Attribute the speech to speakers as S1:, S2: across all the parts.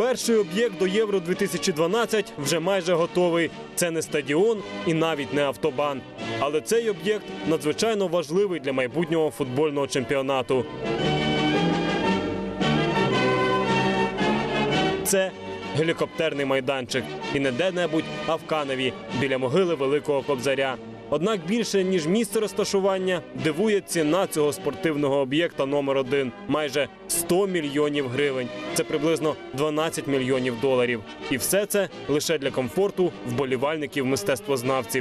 S1: Перший об'єкт до Євро-2012 вже майже готовий. Це не стадіон і навіть не автобан. Але цей об'єкт надзвичайно важливий для майбутнього футбольного чемпіонату. Це гелікоптерний майданчик. І не де-небудь, а в Каневі, біля могили Великого Кобзаря. Однак більше, ніж місце розташування, дивує ціна цього спортивного об'єкта номер 1 – майже 100 мільйонів гривень. Це приблизно 12 мільйонів доларів. І все це лише для комфорту вболівальників-мистецтвознавців.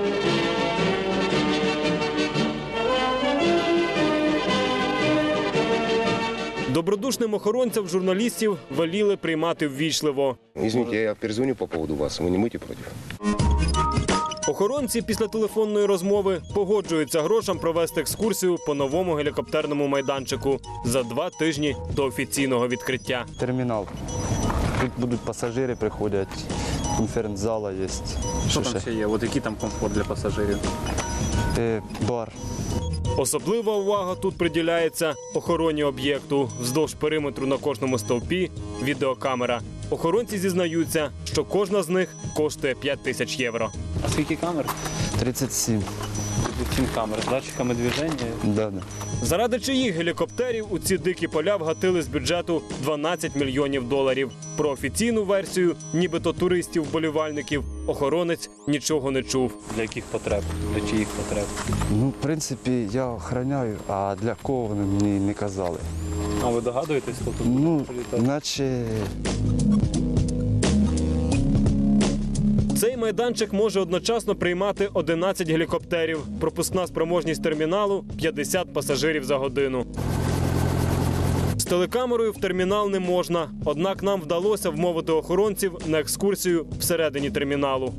S1: Добродушним охоронцям журналістів веліли приймати ввічливо.
S2: Извините, я перезвоню по поводу вас. Ви не будете проти?
S1: Охоронці після телефонної розмови погоджуються грошам провести екскурсію по новому гелікоптерному майданчику за 2 тижні до офіційного відкриття.
S3: Термінал. Тут будуть пасажири, приходять, конференц-зала є.
S4: Що там ще є? От який там комфорт для пасажирів?
S3: Бар.
S1: Особлива увага тут приділяється охороні об'єкту. Вздовж периметру на кожному стовпі – відеокамера. Охоронці зізнаються, що кожна з них коштує 5 тисяч євро.
S4: А скільки камер?
S3: 37.
S4: 37 камер з датчиками движення.
S3: Да.
S1: Заради чиїх гелікоптерів у ці дикі поля вгатили з бюджету 12 мільйонів доларів. Про офіційну версію, нібито туристів-вболівальників, охоронець нічого не чув.
S4: Для яких потреб? Для чиїх потреб?
S3: Ну, в принципі, я охороняю, а для кого вони мені не казали.
S4: А ви догадуєтесь, хто тут
S3: Ну,
S4: прилітає?
S3: наче...
S1: Цей майданчик може одночасно приймати 11 гелікоптерів. Пропускна спроможність терміналу – 50 пасажирів за годину. З телекамерою в термінал не можна, однак нам вдалося вмовити охоронців на екскурсію всередині терміналу.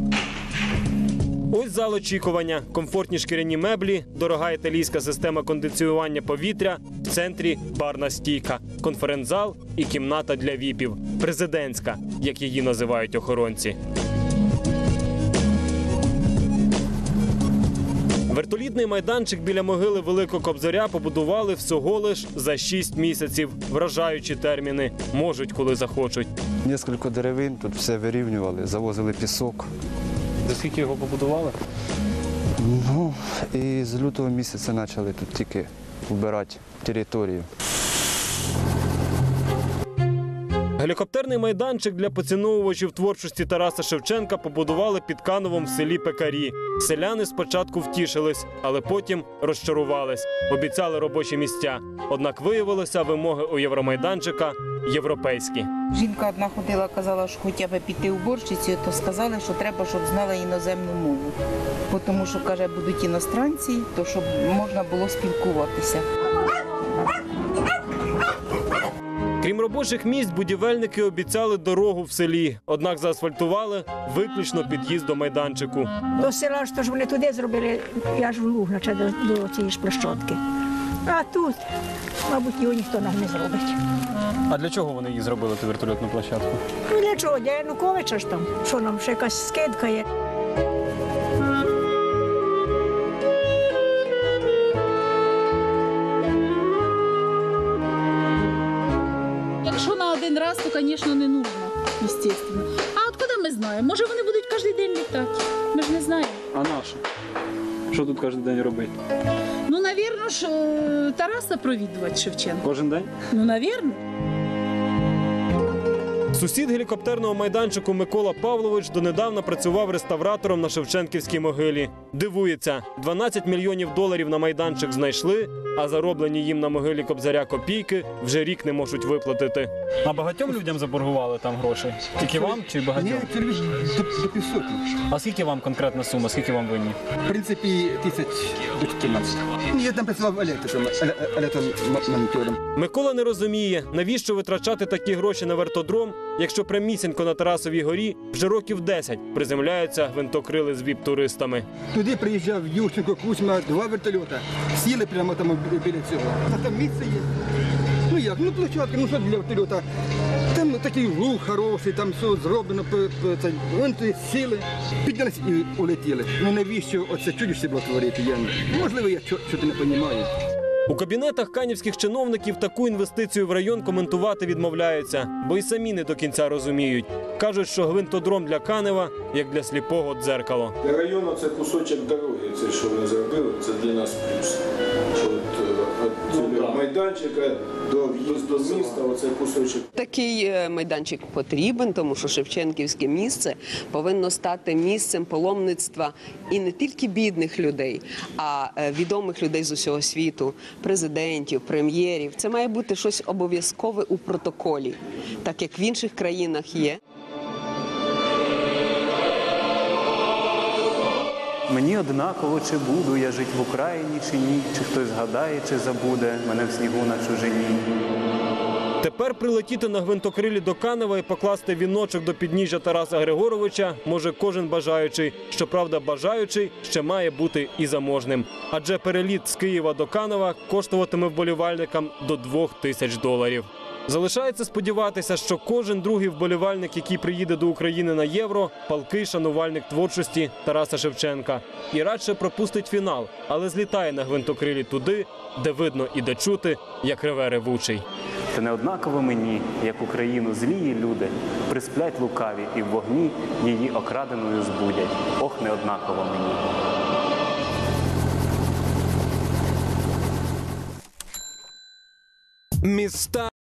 S1: Ось зал очікування, комфортні шкіряні меблі, дорога італійська система кондиціювання повітря, в центрі барна стійка, конференц-зал і кімната для віпів – президентська, як її називають охоронці. Вертолітний майданчик біля могили Великого Кобзаря побудували всього лиш за 6 місяців. Вражаючі терміни. Можуть, коли захочуть.
S3: Нескільки деревин, тут все вирівнювали, завозили пісок.
S4: За скільки його побудували?
S3: Ну, і з лютого місяця почали тут тільки вбирати територію.
S1: Гелікоптерний майданчик для поціновувачів творчості Тараса Шевченка побудували під Кановом в селі Пекарі. Селяни спочатку втішились, але потім розчарувались. Обіцяли робочі місця. Однак виявилося, вимоги у Євромайданчика європейські.
S5: Жінка одна ходила, казала, що хоча б піти уборщицею, то сказали, що треба, щоб знала іноземну мову. Тому що, каже, будуть іностранці, то щоб можна було спілкуватися.
S1: Крім робочих місць, будівельники обіцяли дорогу в селі. Однак заасфальтували виключно під'їзд до майданчику.
S6: До села, що ж вони туди зробили, я ж в луг, до цієї ж площадки. А тут, мабуть, його ніхто нам не зробить.
S4: А для чого вони її зробили, ту вертольотну площадку?
S6: Ну для чого? Для Януковича ж там. Що нам, ще якась скидка є.
S7: Якщо на один раз, то, звісно, не нужно, естественно. А от куди ми знаємо? Може, вони будуть кожен день літати? Ми ж не знаємо.
S4: А наше? Що тут кожен день робити?
S7: Ну, навірно ж, Тараса провідувати Шевченка.
S4: Кожен день?
S7: Ну, навірно.
S1: Сусід гелікоптерного майданчику Микола Павлович донедавна працював реставратором на Шевченківській могилі. Дивується, 12 мільйонів доларів на майданчик знайшли, а зароблені їм на могилі Кобзаря копійки вже рік не можуть виплатити.
S4: А багатьом людям заборгували там гроші? Тільки вам чи багатьом?
S8: Ні, до 500.
S4: А скільки вам конкретна сума, скільки вам винні?
S8: В принципі, 1014. Я там працював електромонтером.
S1: Микола не розуміє, навіщо витрачати такі гроші на вертодром, якщо прямісінько на Тарасовій горі вже років 10 приземляються гвинтокрили з віп-туристами.
S8: Туди приїжджав Ющенко, Кузьма, 2 вертольота. Сіли прямо там біля цього. А там місце є. Ну як, ну площадка, ну що для вертольота. Там такий луг хороший, там все зроблено. Вон туди сіли, піднялись і улетіли. Ну навіщо оце чудіще було творити? Можливо, я чого не розумію.
S1: У кабінетах канівських чиновників таку інвестицію в район коментувати відмовляються, бо й самі не до кінця розуміють. Кажуть, що гвинтодром для Канева як для сліпого дзеркало.
S9: Для району це кусочок дороги, це що вони зробили, це для нас плюс. Що від майданчика до в'їзду з міста, оце кусочок.
S10: Такий майданчик потрібен, тому що Шевченківське місце повинно стати місцем паломництва і не тільки бідних людей, а відомих людей з усього світу, президентів, прем'єрів. Це має бути щось обов'язкове у протоколі, так як в інших країнах є.
S11: Мені однаково, чи буду я жити в Україні, чи ні, чи хтось згадає, чи забуде мене в снігу на чужині.
S1: Тепер прилетіти на гвинтокрилі до Канева і покласти віночок до підніжжя Тараса Григоровича може кожен бажаючий. Щоправда, бажаючий ще має бути і заможним. Адже переліт з Києва до Канева коштуватиме вболівальникам до $2000. Залишається сподіватися, що кожен другий вболівальник, який приїде до України на Євро, палкий шанувальник творчості Тараса Шевченка. І радше пропустить фінал, але злітає на гвинтокрилі туди, де видно і де чути, як реве ревучий.
S11: Та не однаково мені, як Україну злії люди, присплять лукаві і в вогні її окраденою збудять. Ох, не однаково мені.
S1: Міста